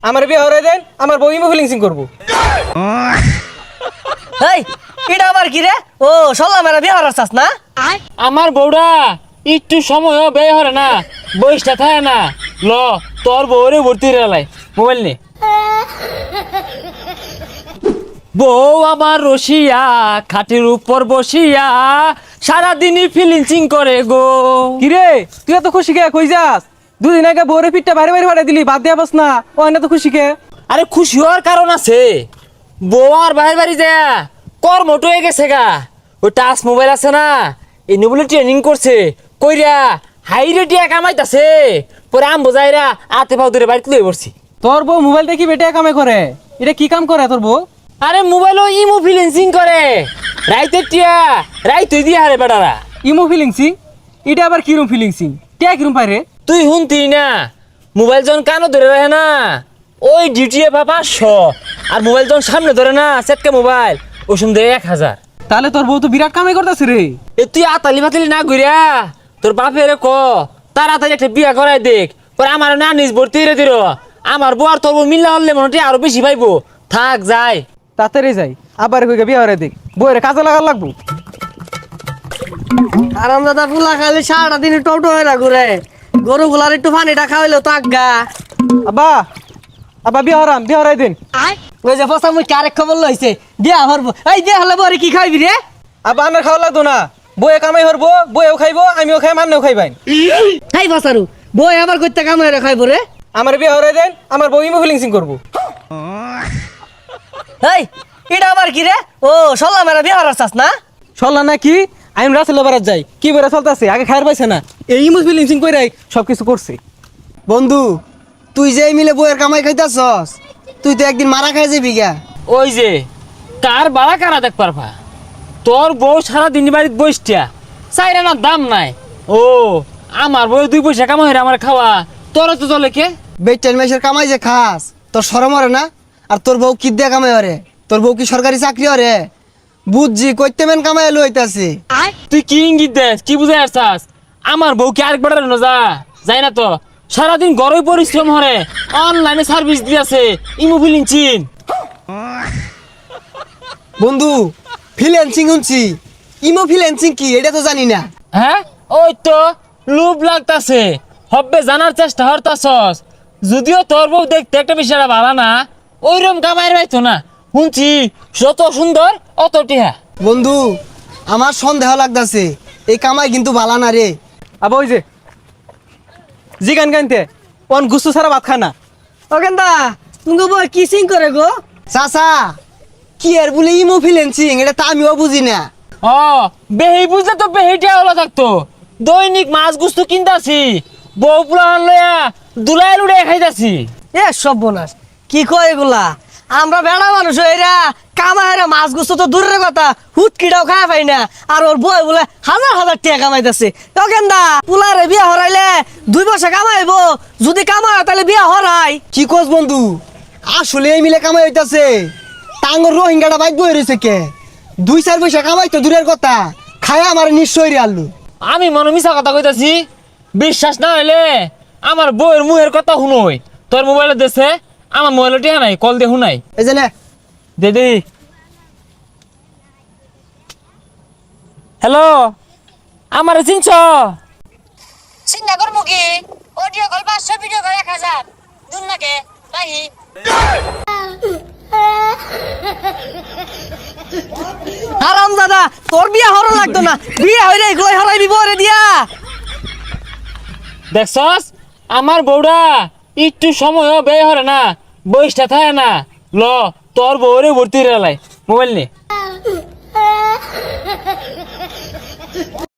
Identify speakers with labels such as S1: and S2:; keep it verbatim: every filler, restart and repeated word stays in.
S1: আমার বিয়ে হরে দেন, আমার বউ ইমো ফিলিংসিং করবো।
S2: এই এটা আবার কি রে? ও সল্লা মেরা বিয়ে হরার চাস না?
S3: আমার বউরা একটু সময় ব্যয় হরে না, বয়সটা থাকে না। ল তোর বউরে ভর্তি রেলাই মোবাইল নে। বউ আমার রসিয়া খাটের উপর বসিয়া সারাদিনই ফিলিংসিং করে গো।
S1: কিরে তুই এত খুশি কে? কই যাস? দুদিন আগে বউরে পিঠটা ভারী ভারী ফাটাই দিলি, বাদ দিয়া বস না। ও না তো খুশি কে?
S3: আরে খুশি হওয়ার কারণ আছে, বউ আর বাইরে বাড়ি যায় কর্মট হয়ে গেছে গা। ওই টাচ মোবাইল আছে না, এই বলে ট্রেনিং করছে কইরা হাই রেটিয়া কামাইতাছে। পরে আম বোঝাইরা আতে পাও ধরে বাড়িতে লয়ে পড়ছি।
S1: তোর বউ মোবাইল দেখি বেটে কামে করে, এটা কি কাম করে তোর বউ?
S3: আরে মোবাইলও ইমো ফিলিংসিং করে, রাইতে টিয়া রাইতে দিয়ে হারে বেড়ারা।
S1: ইমো ফিলিংসিং? এটা আবার কিরম ফিলিংসিং? টিয়া কিরম পারে?
S3: তুই শুনতি না, মোবাইল যখন কানো ধরে রাখে না ওই ডিউটি পা পাঁচশো, আর মোবাইল যখন সামনে ধরে না সেটকা মোবাইল ওই সময় এক হাজার।
S1: তাহলে তোর বউ তো বিরাট কামাই করতেছে রে।
S3: এ তুই আতালি বাতালি না ঘুরিয়া তোর বাপেরে ক তাড়াতাড়ি একটা বিয়া করাই দেখ। পরে আমার না নিজ ভর্তি রে দিল, আমার বউ আর তোর বউ মিল্লা হলে মনে আরো বেশি পাইবো। থাক যাই
S1: তাড়াতাড়ি যাই, আবার কই বিয়ে হরে দেখ, বউরে কাজে লাগার লাগবো।
S2: আরাম দাদা ফুলা খালি সারাটা দিন টোটো হয়ে না ঘুরে, গরু গুলার একটু পানিটা খাওয়াইলো তো আজ্ঞা।
S1: আব্বা আব্বা বিয়ে হরাম, বিয়ে হরাই দিন।
S2: ওই যে ফসা মুই কারেক খবর লইছে বিয়া হরবো। এই বিয়া হলে বরে কি খাইবি রে?
S1: আব্বা আমার খাওয়া লাগতো না, বউয়ে কামাই হরবো, বউয়েও খাইবো, আমিও খাই, মান্নেও খাইবাই।
S2: এই ফসারু বই আবার কইতে কাম হয়ে খাইবো রে?
S1: আমার বিয়ে হরাই দেন, আমার বউ ইমো ফিলিংসিং করবো।
S2: এই এটা আবার কি রে? ও সল্লা মেরা বিয়া হরার চাস না?
S1: চললা না কি? আমি রাসেল বারাত যাই, কি বেড়া চলতেছে, আগে খায়ার পাইছে না, এই ইমো ফিলিংসিং কইরাই সবকিছু করছে।
S4: বন্ধু তুই যে মিলে বইয়ের কামাই খাইতাছস, তুই তো একদিন মারা খাই যাবি গা।
S3: ওই যে কার বাড়া কারা দেখ পারবা, তোর বউ সারা দিন বাড়িতে বসটিয়া চাইরা না দাম নাই। ও আমার বউ দুই পয়সা কামাই হইরা আমার খাওয়া, তোর তো চলে কে?
S4: বেটেন মাসের কামাই যে খাস তোর শরম হরে না? আর তোর বউ কি দিয়ে কামাই হরে? তোর বউ কি সরকারি চাকরি হরে? বুঝছি কইতে মেন কামাই লইতাছে।
S3: তুই কি ইঙ্গিত দেস, কি বুঝাই আসছাস? আমার বউ কি আরেক বেড়ার যা যাই না তো, সারাদিন গরই পরিশ্রম হরে, অনলাইনে সার্ভিস দিয়েছে ইমো ফিলিংসিং।
S4: বন্ধু ফ্রিল্যান্সিং শুনছি, ইমো ফ্রিল্যান্সিং কি এটা তো জানি না।
S3: হ্যাঁ ওই তো লোভ লাগতাছে, হব্বে জানার চেষ্টা হরতাছস। যদিও তোর বউ দেখতে একটা বিষয়টা ভালো না, ওইরকম কামাইয়ের পাইতো না। শুনছি যত সুন্দর অত টিহা।
S4: বন্ধু আমার সন্দেহ লাগতাছে, এই কামাই কিন্তু ভালো না রে।
S1: আবার ওই যে জি গান গানতে অন গুস্তু ছাড়া ভাত খানা।
S2: ও কেন্দা তুমি বই কি সিং করে গো?
S4: চাচা কি আর বলে ইমো ফ্রিল্যান্সিং এটা তো আমিও বুঝি না।
S3: ও বেহি বুঝলে তো বেহিটিয়া হলো থাকতো। দৈনিক মাছ গুস্তু কিনতাছি, বউ পুলান লইয়া দুলাই লুড়ে খাইতাছি।
S2: এ সর্বনাশ কি কয় এগুলা? আমরা বেড়া মানুষ এরা কামাইরা মাছ গুছো তো দূরের কথা, হুটকিটাও খাওয়া পাই না। আর ওর বই বলে হাজার হাজার টাকা কামাইতেছে। তো কেন্দা পুলারে বিয়া হরাইলে দুই পয়সা কামাইবো, যদি কামায় তাহলে বিয়া হরাই।
S4: কি কোস বন্ধু আসলে এই মিলে কামাই হইতাছে? টাঙ্গর রোহিঙ্গাটা বাইক বই রয়েছে কে? দুই চার পয়সা কামাই তো দূরের কথা, খায় আমার নিশ্চয় রে আল্লু।
S3: আমি মনে মিছা কথা কইতাছি? বিশ্বাস না হইলে আমার বউয়ের মুহের কথা শুনোই। তোর মোবাইলে দেশে আমার মোবাইলে টিহা নাই, কল দিয়ে শুনাই।
S4: এই যে নে
S3: দে দে। হ্যালো, আমার চিনছ?
S5: চিন্তা করবো কি? অডিও কল পাঁচশো, ভিডিও কল এক হাজার। দূর নাকে রাহি।
S2: হারাম দাদা তোর বিয়া হরো লাগতো না, বিয়া হইলে এগুলাই হরাইবি বরে দিয়া।
S3: দেখছস আমার বউরা একটু সময়ও ব্যয় হরে না, বয়সটা থাকে না। ল তোর বউরে ভর্তি রেলাই মোবাইল নে।